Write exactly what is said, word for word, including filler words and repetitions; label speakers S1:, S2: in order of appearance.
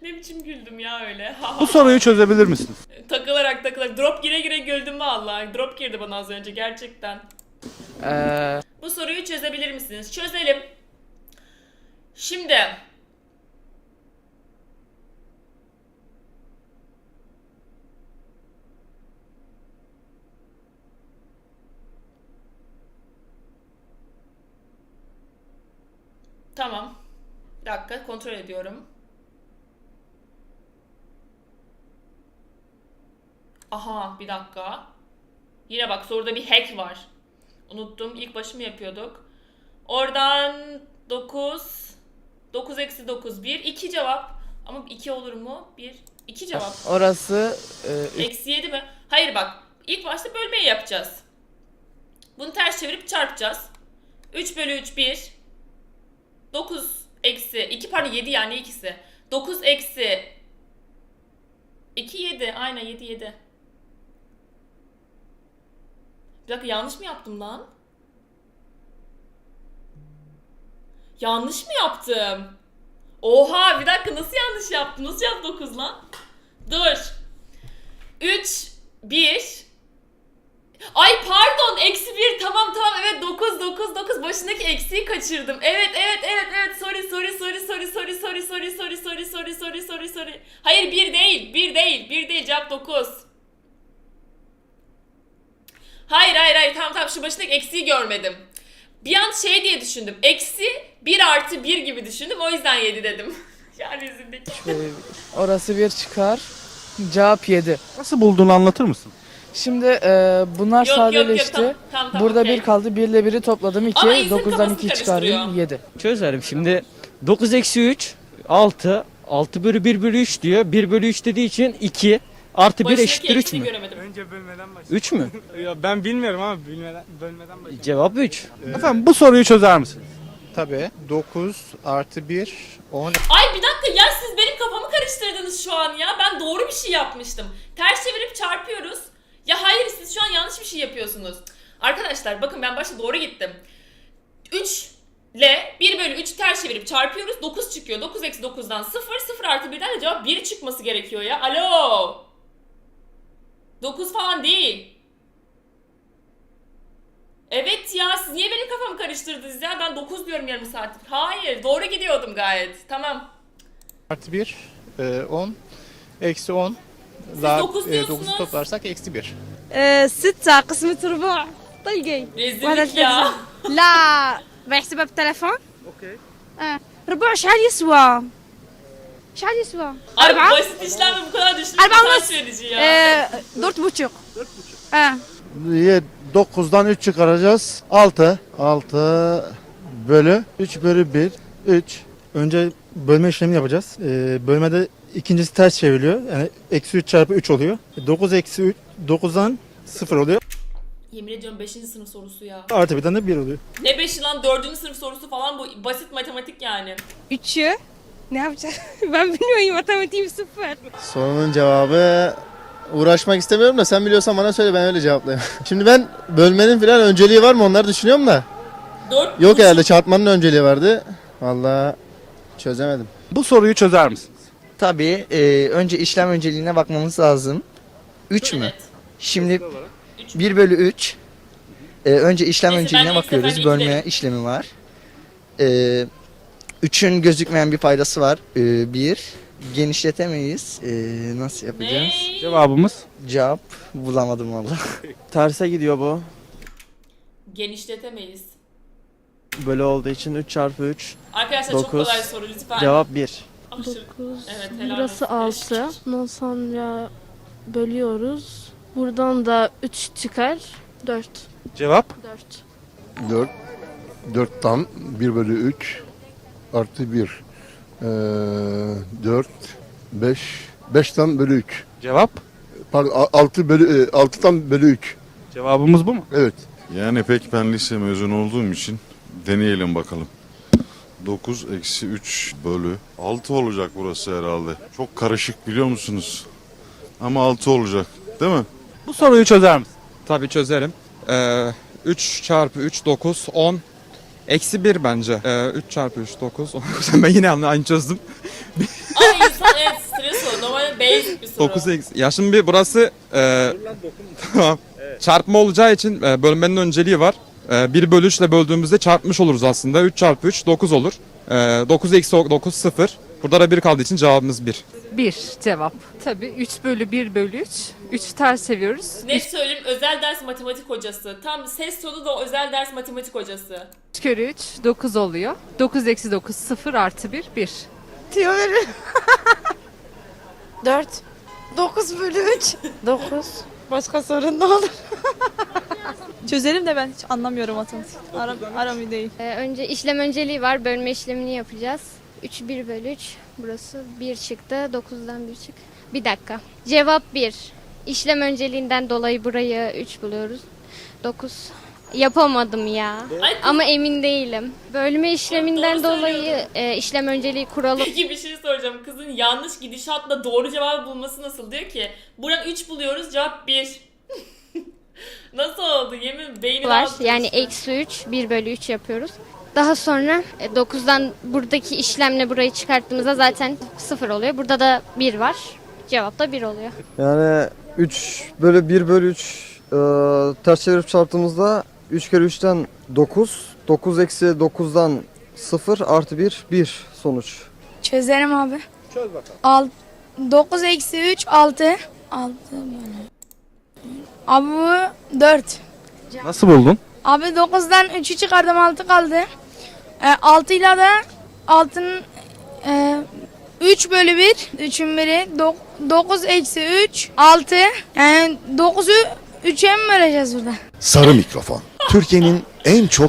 S1: Ne biçim güldüm ya öyle.
S2: Bu soruyu çözebilir misiniz?
S1: Takılarak takılarak. Drop gire gire güldüm vallahi. Drop girdi bana az önce gerçekten.
S3: Ee,
S1: Bu soruyu çözebilir misiniz? Çözelim. Şimdi. Tamam. Bir dakika kontrol ediyorum. Aha bir dakika. Yine bak soruda bir hack var. Unuttum. İlk başı mı yapıyorduk? Oradan dokuz. dokuz eksi dokuz. bir. iki cevap. Ama iki olur mu? bir. iki cevap.
S3: orası e,
S1: Eksi yedi mi? Hayır bak. İlk başta bölmeyi yapacağız. Bunu ters çevirip çarpacağız. üç bölü üç bir. dokuz eksi iki pardon yedi yani ikisi. dokuz eksi iki yedi. Aynen yedi yedi. Bir dakika yanlış mı yaptım lan? Yanlış mı yaptım? Oha bir dakika nasıl yanlış yaptım? Nasıl yaptı dokuz lan? Dur. üç, bir. Ay pardon eksi bir tamam tamam evet dokuz dokuz dokuz başındaki eksiği kaçırdım. Evet evet evet evet sorry sorry sorry sorry sorry sorry sorry sorry sorry sorry sorry sorry sorry. Hayır bir değil bir değil bir değil cevap dokuz. Hayır hayır hayır tamam tamam şu başındaki eksiği görmedim. Bir an şey diye düşündüm. Eksi bir artı bir gibi düşündüm o yüzden yedi dedim. Yani yüzündeki.
S3: e, orası bir çıkar. Cevap yedi.
S2: Nasıl bulduğunu anlatır mısın?
S3: Şimdi e, bunlar
S1: Yok, yok, yok,
S3: sadeleşti.
S1: tamam, tamam, tamam,
S3: Burada
S1: okey.
S3: bir kaldı. bir ile biri topladım
S1: Ama
S3: iki.
S1: insanın
S3: dokuzdan
S1: kafasını
S3: iki çıkardım
S1: karıştırıyor.
S3: yedi.
S4: Çözerim şimdi. dokuz eksi üç altı. altı bölü bir bölü üç diyor. bir bölü üç dediği için iki. Artı bir
S1: Başındaki
S4: eşittir üç
S1: eksiği
S4: mü?
S1: göremedim.
S5: Önce bölmeden başla.
S4: üç mü?
S5: Ya ben bilmiyorum ama bilmeden, bölmeden başla.
S4: Cevap üç.
S2: Efendim bu soruyu çözer misiniz?
S6: Tabii. dokuz artı bir on.
S1: Ay bir dakika ya siz benim kafamı karıştırdınız şu an ya. Ben doğru bir şey yapmıştım. Ters çevirip çarpıyoruz. Ya hayır siz şu an yanlış bir şey yapıyorsunuz. Arkadaşlar bakın ben başta doğru gittim. üç ile bir bölü üçü ters çevirip çarpıyoruz. dokuz çıkıyor. dokuz eksi dokuzdan sıfır. sıfır artı birden de cevap bir çıkması gerekiyor ya. Alo. dokuz falan değil. Evet ya siz niye benim kafamı karıştırdınız ya? Ben dokuz diyorum yarım saattir. Hayır doğru gidiyordum gayet. Tamam.
S6: Artı bir on. Eksi on. Daha
S1: dokuz
S6: e,
S1: diyorsunuz.
S6: dokuzu toplarsak eksi bir.
S7: آه، ستة قسمة ربع طلقي وهذا
S1: Rezillik ya.
S7: التلفزيون لا بحسبها بالتلفون اوكي آه. ربع شحال يسوى شحال يسوى
S1: Ay
S7: أربعة
S1: basit işlemle bu kadar düşünmek
S7: Arba
S1: utanç
S7: olmaz.
S1: verici ya.
S7: آه، دورت بوتشوق اه
S8: dokuzdan üç çıkaracağız. altı. altı bölü üç bölü bir. üç.
S9: Önce bölme işlemini yapacağız. Ee, bölmede ikincisi ters çevriliyor. Yani eksi üç çarpı üç oluyor. dokuz eksi üç, dokuzdan sıfır oluyor.
S1: Yemin ediyorum beşinci sınıf sorusu ya.
S9: Artı birden de bir oluyor.
S1: Ne beşi lan dördüncü sınıf sorusu falan bu basit matematik yani.
S7: üçü ne yapacağız? Ben bilmiyorum matematiğim sıfır.
S8: Sorunun cevabı uğraşmak istemiyorum da sen biliyorsan bana söyle ben öyle cevaplayayım. Şimdi ben bölmenin falan önceliği var mı onları düşünüyorum da.
S1: Dört
S8: Yok
S1: buçuk-
S8: herhalde çarpmanın önceliği vardı. Vallahi çözemedim.
S2: Bu soruyu çözer misiniz?
S3: Tabii e, önce işlem önceliğine bakmamız lazım. üç mü?
S1: Evet.
S3: Şimdi
S1: Üç.
S3: bir bölü üç. E, önce işlem
S1: Neyse,
S3: önceliğine
S1: ben ilk
S3: bakıyoruz.
S1: sefer
S3: Bölme
S1: ilgilerim.
S3: işlemi var. E, üçün gözükmeyen bir faydası var. E, bir. Genişletemeyiz. E, nasıl yapacağız?
S1: Ne?
S2: Cevabımız
S3: Cevap bulamadım valla.
S10: Terse gidiyor bu.
S1: Genişletemeyiz.
S10: Bölü olduğu için üç çarpı üç.
S1: Arkadaşlar çok
S10: Dokuz.
S1: kolay soru lütfen.
S10: Cevap bir.
S1: Aşırı-
S11: dokuz.
S1: Evet, helal
S11: Burası
S1: olsun.
S11: altı. Ondan sonra bölüyoruz. Buradan da üç çıkar. dört.
S2: cevap
S11: dört.
S8: dört. dörtten bir bölü üç artı bir. dört. beş. beşten bölü üç.
S2: cevap
S8: Pardon altı bölü altıdan bölü üç.
S2: cevabımız bu mu?
S8: Evet.
S12: Yani pek ben lise mezunu olduğum için deneyelim bakalım. dokuz eksi üç bölü altı olacak burası herhalde. Çok karışık biliyor musunuz? Ama altı olacak değil mi?
S2: Bu soruyu çözer misin?
S5: Tabii çözerim. Ee, üç çarpı üç dokuz on. Eksi bir bence. Ee, üç çarpı üç dokuz on. Ben yine aynı çözdüm.
S1: Ay insan evet soru. Normalde basic bir soru.
S5: dokuz eksi. Ya şimdi bir burası e, tamam. Çarpma olacağı için e, bölmenin önceliği var. E, bir bölü üç ile böldüğümüzde çarpmış oluruz aslında. üç çarpı üç dokuz olur. E, dokuz eksi dokuz sıfır. Burada da bir kaldığı için cevabımız bir.
S11: bir cevap. Tabii üç bölü bir bölü üç. üçü ters seviyoruz.
S1: Net söyleyeyim, özel ders matematik hocası. Tam ses tonu da özel ders matematik hocası.
S11: üç kere üç dokuz oluyor. dokuz eksi dokuz sıfır artı bir bir.
S7: Teori. dört. dokuz bölü üç. dokuz. Başka sorun ne olur? Çözelim de ben hiç anlamıyorum matematik. Aram, aram iyi değil.
S11: Ee, önce işlem önceliği var. Bölme işlemini yapacağız. üç bir bölü üç. Burası bir çıktı. dokuzdan bir çık. Bir dakika. Cevap bir. İşlem önceliğinden dolayı burayı üç buluyoruz. dokuz. Yapamadım ya.
S1: Ay, kız-
S11: Ama emin değilim. Bölme işleminden
S1: Doğru
S11: dolayı
S1: söylüyordun.
S11: e, işlem önceliği kuralı
S1: Peki bir şey soracağım. Kızın yanlış gidişatla doğru cevabı bulması nasıl? Diyor ki buradan üç buluyoruz, cevap bir. Nasıl oldu? Yemin beyni
S11: var.
S1: aldı
S11: Yani
S1: işte.
S11: eksi üç, bir bölü üç yapıyoruz. Daha sonra e, dokuzdan buradaki işlemle burayı çıkarttığımızda zaten sıfır oluyor. Burada da bir var. Cevap da bir oluyor.
S10: Yani üç bölü bir bölü üç e, ters çevirip çarptığımızda üç kere üçten dokuz. dokuz eksi dokuzdan sıfır artı bir bir sonuç.
S7: Çözerim abi. Çöz bakalım. Al, dokuz eksi üç altı. altı böyle. Abi bu dört.
S2: Nasıl buldun?
S7: Abi dokuzdan üçü çıkardım altı kaldı. E, altı ile de altının e, üç bölü bir. üçün biri. dokuz eksi üç. altı. Yani dokuzu üçe mi böleceğiz burada?
S12: Sarı mikrofon. Türkiye'nin en çok